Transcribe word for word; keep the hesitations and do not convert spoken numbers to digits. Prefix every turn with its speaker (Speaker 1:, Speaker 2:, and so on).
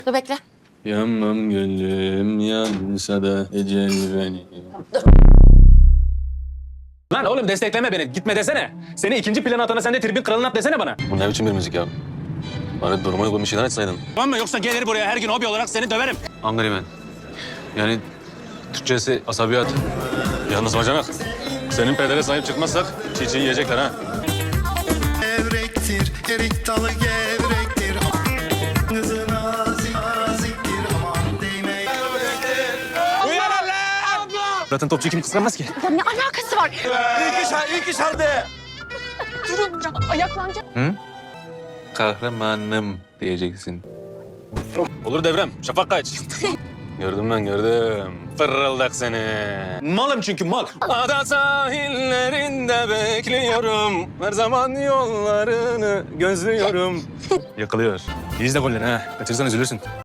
Speaker 1: Dur bekle.
Speaker 2: Yanmam gönlüm yansa da ecel beni.
Speaker 3: Lan oğlum destekleme beni. Gitme desene. Seni ikinci plana atana sen de tribün kralına at desene bana.
Speaker 2: Bu ne biçim bir müzik ya? Bana duruma uygun bir şeyler açsaydın.
Speaker 3: Tamam mı? Yoksa gelir buraya her gün hobi olarak seni döverim.
Speaker 2: Angryman. Yani Türkçesi asabiyat. Yalnız bacanak. Senin pedere sahip çıkmazsak çiğ çiğ yiyecekler ha.
Speaker 4: Gevrektir, erik dalı gevrektir. Kızı nazik, naziktir. Aman değme.
Speaker 3: Zaten topçu kim kıskanmaz ki?
Speaker 1: Ya ne alakası var?
Speaker 3: İlk iş, ilk iş halde.
Speaker 1: Durun hocam, ayaklanacak.
Speaker 2: Kahramanım diyeceksin.
Speaker 3: Olur Devrem. Şafak kaç.
Speaker 2: Gördüm ben gördüm. Fırıldak seni.
Speaker 3: Malım çünkü mal.
Speaker 2: Ada sahillerinde bekliyorum. Her zaman yollarını gözlüyorum.
Speaker 3: Yakılıyor. İyiyiz de golleri ha. Kaçırırsan üzülürsün.